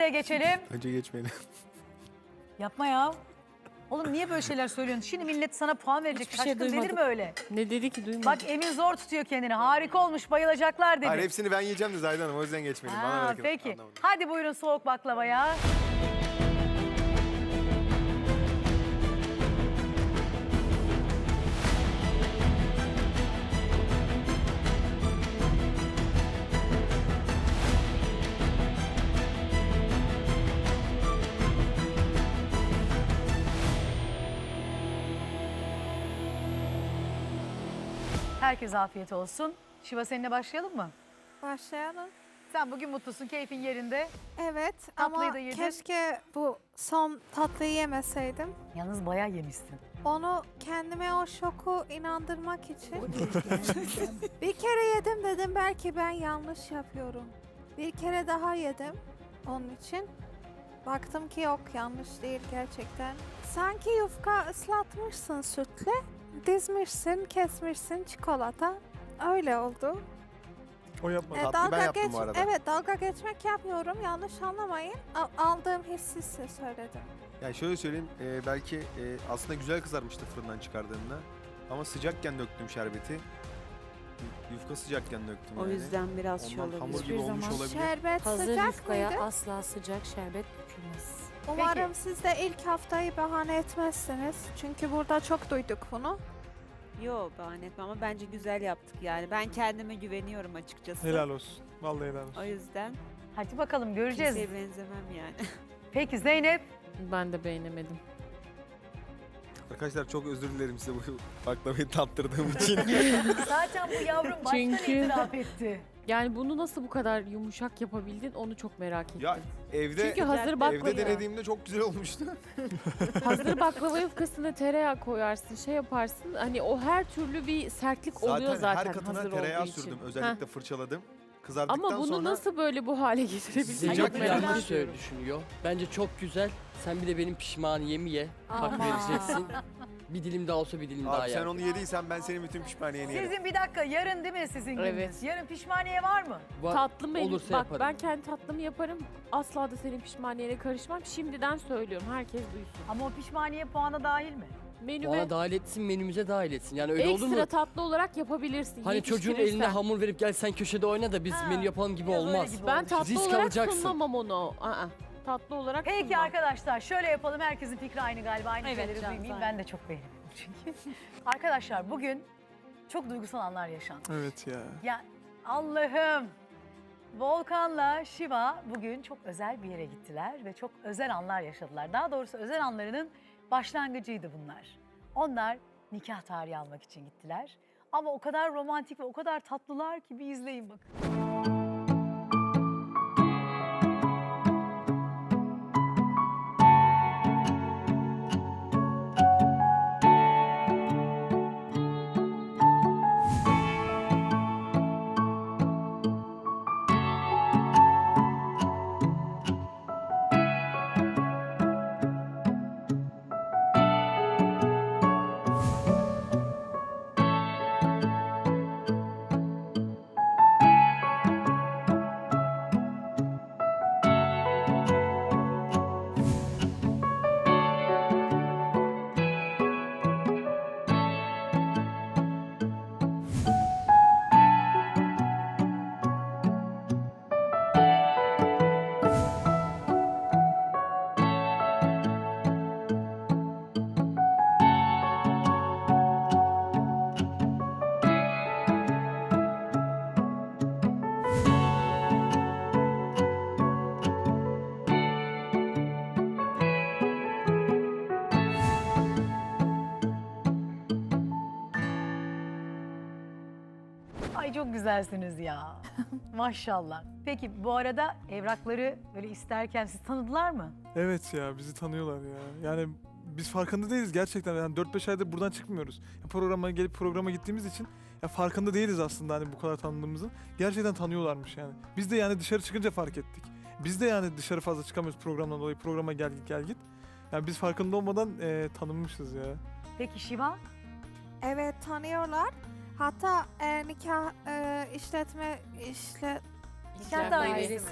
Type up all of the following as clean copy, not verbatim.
geçelim. Önce geçmeyelim. Yapma ya. Oğlum niye böyle şeyler söylüyorsun? Şimdi millet sana puan verecek. Hiçbir şey Şaşkın denir duymadım. mi öyle? Ne dedi ki duymadım. Bak Emin zor tutuyor kendini. Harika olmuş, bayılacaklar dedi. Hayır hepsini ben yiyeceğim de Zahide Hanım o yüzden geçmedim. Bana Ha, bırakın. peki. Anlamadım. Hadi buyurun soğuk baklavaya. Herkese afiyet olsun. Şiva seninle başlayalım mı? Başlayalım. Sen bugün mutlusun, keyfin yerinde. Evet Tatlıyı ama da yedin. keşke bu son tatlıyı yemeseydim. Yalnız bayağı yemişsin. Onu kendime o şoku inandırmak için bir kere yedim dedim belki ben yanlış yapıyorum. Bir kere daha yedim onun için. Baktım ki yok yanlış değil gerçekten. Sanki yufka ıslatmışsın sütle, dizmişsin, kesmişsin çikolata. Öyle oldu. O yapmadı. Tatlıyı ben yaptım bu arada. Evet dalga geçmek yapmıyorum yanlış anlamayın. Aldığım hissi size söyledim. Yani şöyle söyleyeyim belki aslında güzel kızarmıştı fırından çıkardığımda. Ama sıcakken döktüm şerbeti. Yufka sıcakken döktüm O yani. yüzden biraz şey Ondan hamur olabilir. gibi olmuş zaman olabilir. Şerbet hazır sıcak yufkaya mıydı? asla sıcak şerbet dökülmez. Umarım siz de ilk haftayı bahane etmezsiniz. Çünkü burada çok duyduk bunu. Yok bahane etmem ama bence güzel yaptık yani. Ben kendime güveniyorum açıkçası. Helal olsun. Vallahi helal olsun. O yüzden Hadi bakalım göreceğiz. kimseye benzemem yani. Peki Zeynep. Ben de beğenemedim. Arkadaşlar çok özür dilerim size bu baklavayı tattırdığım için. Zaten bu yavrum baştan Çünkü- itiraf etti. Yani bunu nasıl bu kadar yumuşak yapabildin onu çok merak ettim. ya evde Çünkü hazır baklava, evde denediğimde çok güzel olmuştu. hazır baklava yufkasına tereyağı koyarsın, şey yaparsın. Hani o her türlü bir sertlik oluyor zaten her katına hazır tereyağı olduğu için. sürdüm. Özellikle fırçaladım. Kızardıktan Ama bunu sonra nasıl böyle bu hale getirebildin? Sıcak Zeynep Çok bir merak yanlış ediyorum. düşünüyor. Bence çok güzel. Sen bir de benim pişmaniyemi ye. Hak Ama. vereceksin. Bir dilim daha olsa bir dilim daha abi yer. sen onu yediysen ben senin bütün pişmaniyeni yerim. Sizin bir dakika yarın değil mi sizin gününüz? Evet. Yarın pişmaniye var mı? Tatlı mı? Olursa Bak yaparım. ben kendi tatlımı yaparım. Asla da senin pişmaniyene karışmam. Şimdiden söylüyorum. Herkes duysun. Ama o pişmaniye puana dahil mi? Menüme Bana dahil etsin, menümüze dahil etsin. Yani öyle olur ekstra mu? tatlı olarak yapabilirsin. Hani çocuğun yetiştirirsen. eline hamur verip gel sen köşede oyna da biz Ha, menü yapalım gibi biraz öyle olmaz. gibi Ben oldu. tatlı Risk olarak alacaksın. sunmam onu. Tatlı olarak Peki sunmam. arkadaşlar şöyle yapalım. Herkesin fikri aynı galiba. Aynı Evet, şeyleri Can, duymayayım. aynen. Ben de çok beğendim çünkü. Arkadaşlar bugün çok duygusal anlar yaşandı. Evet ya. Ya Allah'ım. Volkan'la Şiva bugün çok özel bir yere gittiler ve çok özel anlar yaşadılar. Daha doğrusu özel anlarının başlangıcıydı bunlar. Onlar nikah tarihi almak için gittiler. Ama o kadar romantik ve o kadar tatlılar ki bir izleyin bakın. Ay çok güzelsiniz ya. Maşallah. Peki bu arada evrakları böyle isterken siz tanıdılar mı? Evet ya bizi tanıyorlar ya. Yani biz farkında değiliz gerçekten. Yani 4-5 aydır buradan çıkmıyoruz. Ya programa gelip programa gittiğimiz için ya farkında değiliz aslında hani bu kadar tanıdığımızın. Gerçekten tanıyorlarmış yani. Biz de yani dışarı çıkınca fark ettik. Biz de yani dışarı fazla çıkamıyoruz programdan dolayı. Programa gel git gel git. Yani biz farkında olmadan tanınmışız ya. Peki Şiva? Evet tanıyorlar. Hatta nikah Nikah dairesi mi?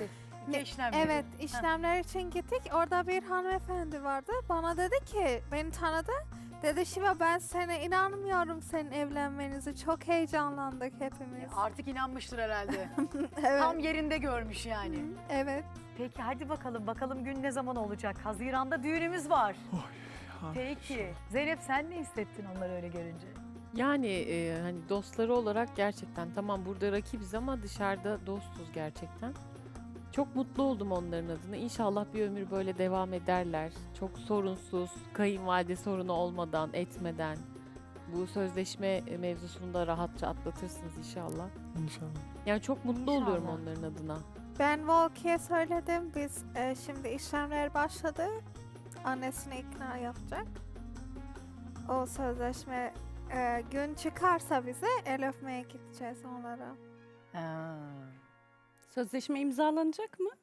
Ne işlemleri? Evet, işlemler için gittik. Orada bir hanımefendi vardı. Bana dedi ki, beni tanıdı. Dedi Şiva ben sana inanmıyorum senin evlenmenizi. Çok heyecanlandık hepimiz. Artık inanmıştır herhalde. Evet. Tam yerinde görmüş yani. Evet. Peki hadi bakalım gün ne zaman olacak? Haziran'da düğünümüz var. Ha. Peki. Zeynep sen ne hissettin onları öyle görünce? Yani hani dostları olarak gerçekten tamam burada rakibiz ama dışarıda dostuz gerçekten. Çok mutlu oldum onların adına. İnşallah bir ömür böyle devam ederler. Çok sorunsuz, kayınvalide sorunu olmadan, etmeden. Bu sözleşme mevzusunu da rahatça atlatırsınız inşallah. İnşallah. Yani çok mutlu İnşallah. oluyorum onların adına. Ben Volki'ye söyledim. Biz şimdi işlemler başladı. Annesini ikna yapacak. O sözleşme gün çıkarsa bize el öpmeye gideceğiz onlara. Ha. Sözleşme imzalanacak mı?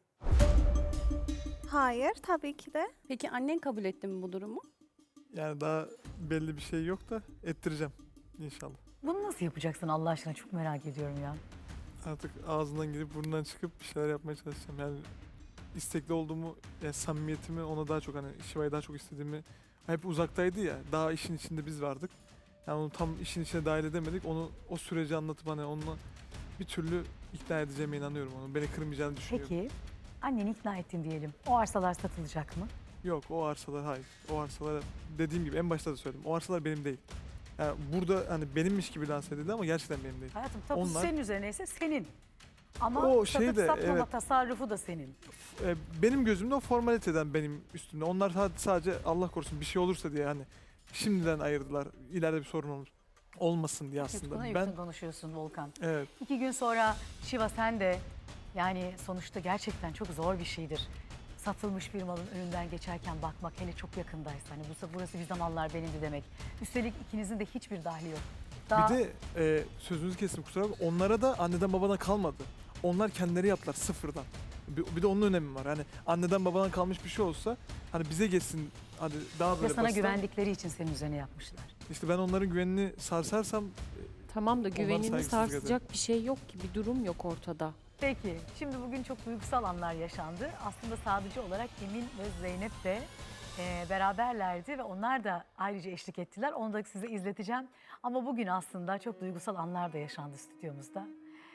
Hayır tabii ki de. Peki annen kabul etti mi bu durumu? Yani daha belli bir şey yok da ettireceğim inşallah. Bunu nasıl yapacaksın Allah aşkına çok merak ediyorum ya. Artık ağzından girip burnundan çıkıp bir şeyler yapmaya çalışacağım. Yani istekli olduğumu, yani samimiyetimi ona daha çok hani Şiva'yı daha çok istediğimi hep uzaktaydı ya. Daha işin içinde biz vardık. Yani onu tam işin içine dahil edemedik. Onu o süreci anlatıp hani onunla bir türlü ikna edeceğime inanıyorum onu. Beni kırmayacağını düşünüyorum. Peki anneni ikna ettin diyelim. O arsalar satılacak mı? Yok o arsalar hayır. O arsalar dediğim gibi en başta da söyledim. O arsalar benim değil. Yani burada hani benimmiş gibi lanse edildi ama gerçekten benim değil. Hayatım tapusu Onlar- senin üzerineyse senin. Ama O satıp şey de, satmama evet. tasarrufu da senin. Benim gözümde o formaliteden benim üstümde. Onlar sadece Allah korusun bir şey olursa diye hani şimdiden ayırdılar. İleride bir sorun olur. Olmasın diye Aslında aslında. buna Ben yakın konuşuyorsun Volkan. evet 2 gün sonra Şiva sen de yani sonuçta gerçekten çok zor bir şeydir. Satılmış bir malın önünden geçerken bakmak hele çok yakındaysa hani burası bir zamanlar benimdi demek. Üstelik ikinizin de hiçbir dahli yok. Daha bir de sözünüzü kestim kusura bakma. Onlara da anneden babadan kalmadı. Onlar kendileri yaptılar sıfırdan. Bir de onun önemi var. Hani anneden babadan kalmış bir şey olsa hani bize geçsin hani daha ve böyle sana basit. güvendikleri için senin üzerine yapmışlar. İşte ben onların güvenini sarsarsam Tamam da Onlara güvenini saygısızlık sarsacak bir şey yok ki, bir durum yok ortada. Peki şimdi bugün çok duygusal anlar yaşandı. Aslında sadece olarak Emin ve Zeynep de beraberlerdi ve onlar da ayrıca eşlik ettiler. Onu da size izleteceğim. Ama bugün aslında çok duygusal anlar da yaşandı stüdyomuzda.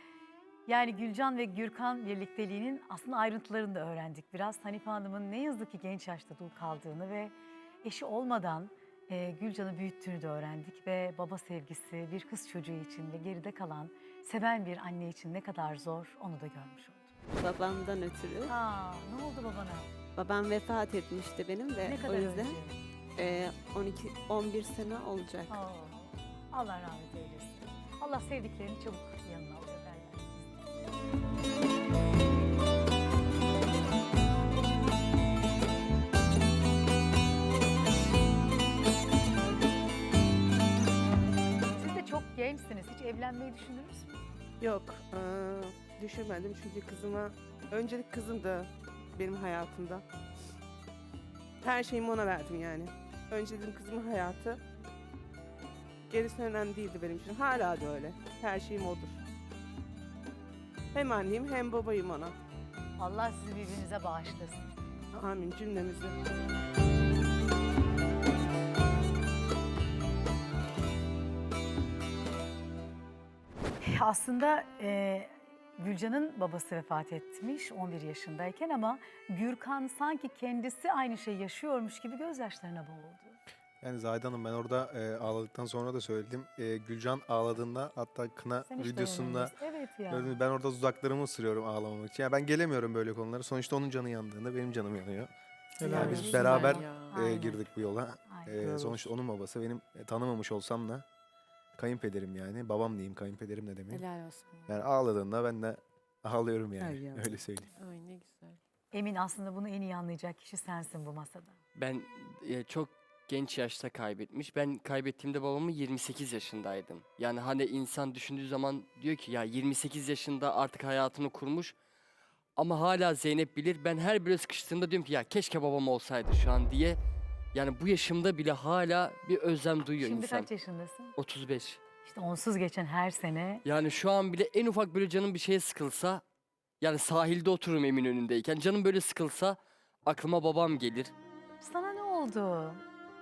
Yani Gülcan ve Gürkan birlikteliğinin aslında ayrıntılarını da öğrendik. Biraz Hanife Hanım'ın ne yazık ki genç yaşta dul kaldığını ve eşi olmadan Gülcan'ı büyüttüğünü de öğrendik. Ve baba sevgisi bir kız çocuğu için ve geride kalan seven bir anne için ne kadar zor onu da görmüş olduk. Babamdan ötürü. Aa, ne oldu babana? Babam vefat etmişti benim de. Ne kadar o yüzden önce? 11 sene olacak. Aa, Allah rahmet eylesin. Allah sevdiklerini çabuk yanına alıyor derler. Siz de çok gençsiniz. Hiç evlenmeyi düşündünüz mü? Yok, düşünmedim çünkü öncelik kızım da benim hayatımda. Her şeyimi ona verdim yani. Önceliğim kızımın hayatı. Gerisi önemli değildi benim için. Hala da öyle. Her şeyim odur. Hem anneyim hem babayım ona. Allah sizi birbirinize bağışlasın. Amin cümlemizi. Aslında Gülcan'ın babası vefat etmiş 11 yaşındayken ama Gürkan sanki kendisi aynı şeyi yaşıyormuş gibi gözyaşlarına boğuldu. Yani Zahide Hanım ben orada ağladıktan sonra da söyledim. Gülcan ağladığında hatta kına Sen hiç videosunda dayanamıyorsun. Evet ya. gördünüz, ben orada dudaklarımı ısırıyorum ağlamamak için. Yani ben gelemiyorum böyle konulara. Sonuçta onun canı yandığında benim canım yanıyor. helal Yani olsun. biz beraber ya. Aynen. girdik bu yola. Aynen. Helal Sonuçta onun babası benim tanımamış olsam da kayınpederim yani. Babam diyeyim kayınpederim ne demek. Helal olsun. Yani ağladığında ben de ağlıyorum yani. Ay ya. Öyle söyleyeyim. Ay ne güzel. Emin aslında bunu en iyi anlayacak kişi sensin bu masada. Ben çok genç yaşta kaybetmiş. Ben kaybettiğimde babamı 28 yaşındaydım. Yani hani insan düşündüğü zaman diyor ki ya 28 yaşında artık hayatını kurmuş. Ama hala Zeynep bilir. Ben her böyle sıkıştığımda diyorum ki ya keşke babam olsaydı şu an diye. Yani bu yaşımda bile hala bir özlem duyuyor Şimdi insan. kaç yaşındasın? 35. İşte onsuz geçen her sene Yani şu an bile en ufak böyle canım bir şeye sıkılsa Yani sahilde otururum Eminönü'ndeyken. Canım böyle sıkılsa aklıma babam gelir. Sana ne oldu?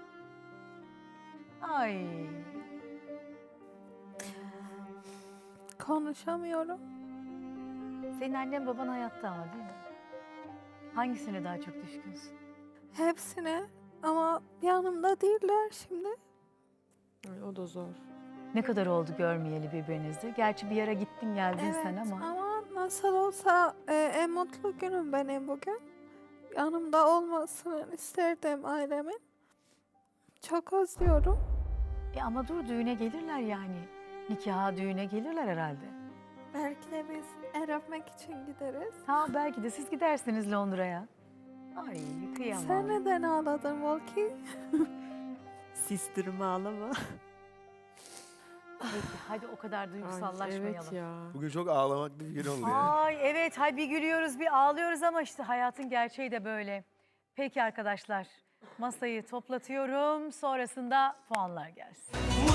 Ay. Konuşamıyorum. Senin annen baban hayatta ama değil mi? Hangisine daha çok düşkünsün? Hepsine ama yanımda değiller şimdi. O da zor. Ne kadar oldu görmeyeli birbirinizi? Gerçi bir yere gittin geldin Evet sen ama. ama nasıl olsa en mutlu günüm benim bugün. Yanımda olmasını isterdim ailemin. Çok özlüyorum. Ama dur düğüne gelirler yani. Nikaha düğüne gelirler herhalde. Belki de biz el öpmek için gideriz. Ha belki de siz gidersiniz Londra'ya. Ay kıyamam. Sen neden ağladın Volki? Sistirimi ağlama. Peki, hadi o kadar duygusallaşmayalım. Evet ya. Bugün çok ağlamaklı bir gün oldu yani. Ay evet, hay bir gülüyoruz bir ağlıyoruz ama işte hayatın gerçeği de böyle. Peki arkadaşlar, masayı toplatıyorum. Sonrasında puanlar gelsin.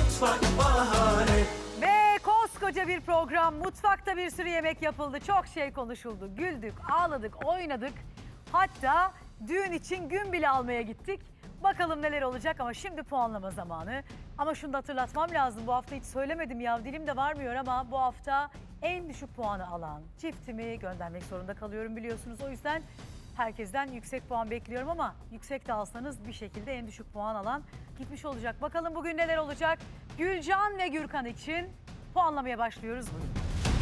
Ve koskoca bir program, mutfakta bir sürü yemek yapıldı. Çok şey konuşuldu. Güldük, ağladık, oynadık. Hatta düğün için gün bile almaya gittik. Bakalım neler olacak ama şimdi puanlama zamanı. Ama şunu da hatırlatmam lazım. Bu hafta hiç söylemedim ya, dilim de varmıyor ama bu hafta en düşük puanı alan çiftimi göndermek zorunda kalıyorum biliyorsunuz. O yüzden herkesten yüksek puan bekliyorum ama yüksek de alsanız bir şekilde en düşük puan alan gitmiş olacak. Bakalım bugün neler olacak? Gülcan ve Gürkan için puanlamaya başlıyoruz. Buyurun.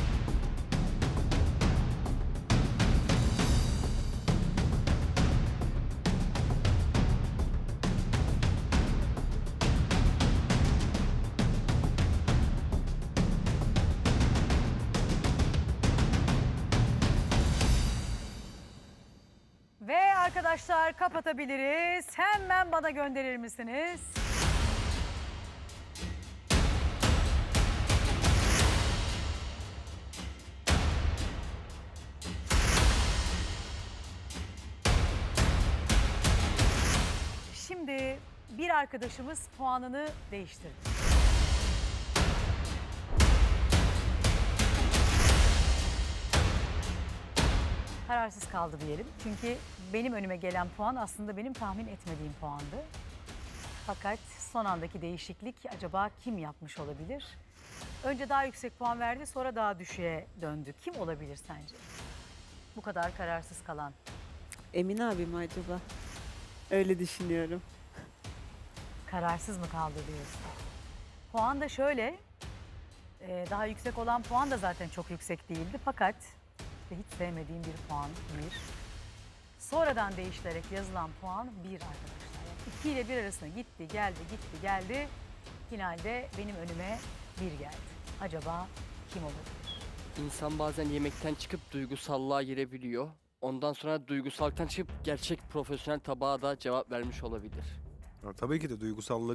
Ve arkadaşlar kapatabiliriz. Hemen bana gönderir misiniz? Şimdi bir arkadaşımız puanını değiştirdi. Kararsız kaldı diyelim. Çünkü benim önüme gelen puan aslında benim tahmin etmediğim puandı. Fakat son andaki değişiklik acaba kim yapmış olabilir? Önce daha yüksek puan verdi, sonra daha düşüğe döndü. Kim olabilir sence? Bu kadar kararsız kalan. Emin abi mi acaba? Öyle düşünüyorum. Kararsız mı kaldı diyorsun? Puan da şöyle, daha yüksek olan puan da zaten çok yüksek değildi. Fakat hiç sevmediğim bir puan, bir. Sonradan değiştirerek yazılan puan bir arkadaşlar. Yani 2 ile 1 arasında gitti, geldi, gitti, geldi. Finalde benim önüme bir geldi. Acaba kim olabilir? İnsan bazen yemekten çıkıp duygusallığa girebiliyor. Ondan sonra duygusallıktan çıkıp gerçek profesyonel tabağa da cevap vermiş olabilir. Ya, tabii ki de duygusallık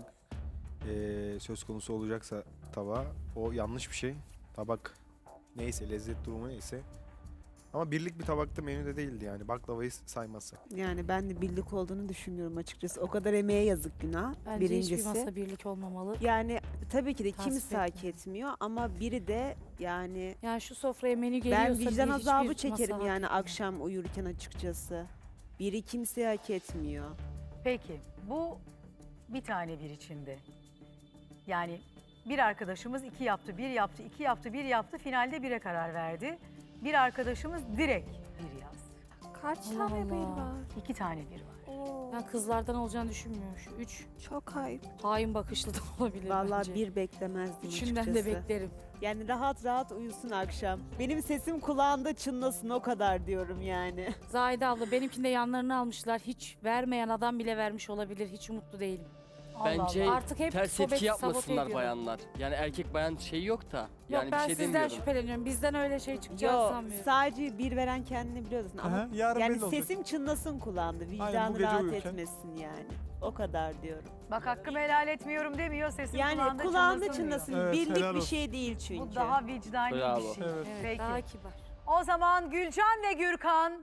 söz konusu olacaksa tabağa o yanlış bir şey. Tabak neyse, lezzet durumu neyse. Ama birlik bir tabakta menüde değildi yani, baklavayı saymazsak. Yani ben de birlik olduğunu düşünmüyorum açıkçası. O kadar emeğe yazık günah. Bence birincisi. hiçbir masa birlik olmamalı. Yani tabii ki de Tasvip kimse hak etmiyorum. etmiyor ama biri de yani Yani şu sofraya menü geliyorsa ben vicdan hiçbir azabı masa çekerim hak yani etmiyor. akşam uyurken açıkçası. Biri kimse hak etmiyor. Peki bu bir tane bir içinde. Yani bir arkadaşımız 2 yaptı, 1 yaptı, 2 yaptı, 1 yaptı. Finalde 1'e karar verdi. Bir arkadaşımız direkt 1 yazdı. Kaç Allah tane bir Allah. var? 2 tane 1 var. Oo, Ben kızlardan olacağını düşünmüyorum. Şu 3 çok ayıp. hain bakışlı da olabilir Vallahi bence. bir beklemezdim Üçünden açıkçası. de beklerim. Yani rahat rahat uyusun akşam. Benim sesim kulağında çınlasın o kadar diyorum yani. Zahide abla benimkinde yanlarını almışlar. Hiç vermeyen adam bile vermiş olabilir. Hiç umutlu değilim. Allah Bence Allah. Artık hep ters sohbeti etki sabote yapmasınlar ediyorum. bayanlar. Yani erkek bayan şey yok da. Yani Yok ben bir şey sizden demiyorum. şüpheleniyorum. Bizden öyle şey çıkacağını Yok sanmıyorum. sadece bir veren kendini biliyorsun ama Aha, yarın yani belli olacak. sesim çınlasın kulağında. bu Vicdanı gece rahat uyurken. etmesin yani. O kadar diyorum. Bak hakkımı helal etmiyorum demiyor, sesim Yani kulağında, kulağında çınlasın çınlasın. diyor. Evet, Birlik helal bir olsun. şey değil çünkü. Bu daha vicdani Bravo. bir şey. Evet. Evet, Peki. daha kibar. O zaman Gülcan ve Gürkan,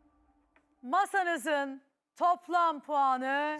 masanızın toplam puanı...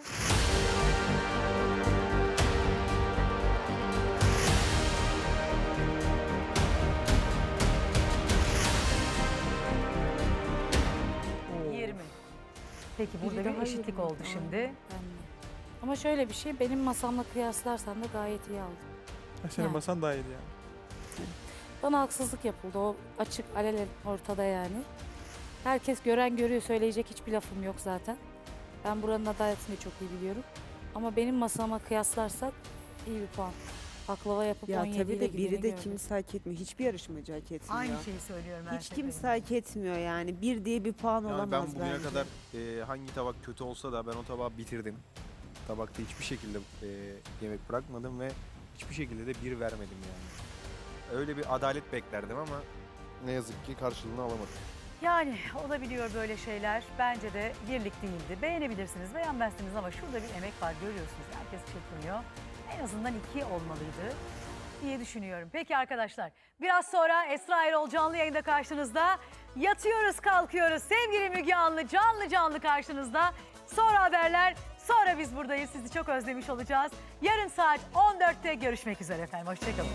Peki burada Biri bir daha eşitlik yoruldu. oldu şimdi. Ben de. Ama şöyle bir şey, benim masamla kıyaslarsan da gayet iyi aldım. Ha, senin Yani. masan daha iyiydi yani. Bana haksızlık yapıldı. O açık, alelen ortada yani. Herkes gören görüyor, söyleyecek hiçbir lafım yok zaten. Ben buranın adaletini de çok iyi biliyorum. Ama benim masama kıyaslarsak iyi bir puan. Baklava yapıp Ya 17 tabii ile de gideni biri de gördüm. kimse hak etmiyor. Hiçbir yarışmacı hak etmiyor. Aynı şeyi söylüyorum ben. Hiç kimse hak etmiyor yani. Bir diye bir puan Yani olamaz ben bugüne bence. kadar hangi tabak kötü olsa da ben o tabağı bitirdim. Tabakta hiçbir şekilde yemek bırakmadım ve hiçbir şekilde de bir vermedim yani. Öyle bir adalet beklerdim ama ne yazık ki karşılığını alamadım. Yani olabiliyor böyle şeyler. Bence de birlik değildi. Beğenebilirsiniz, beğenmezsiniz ama şurada bir emek var görüyorsunuz. Herkes çırpınıyor. En azından 2 olmalıydı diye düşünüyorum. Peki arkadaşlar, biraz sonra Esra Erol canlı yayında karşınızda. Yatıyoruz kalkıyoruz. Sevgili Müge Anlı canlı canlı karşınızda. Sonra haberler, sonra biz buradayız. Sizi çok özlemiş olacağız. Yarın saat 14'te görüşmek üzere efendim. Hoşçakalın.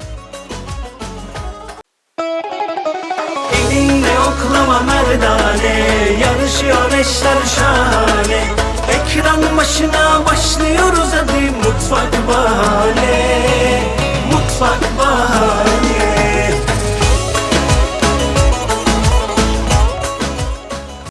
Elinle oklama merdane, yarışıyor eşler şahane. Ekran başına başlıyoruz hadi mutfak bahane.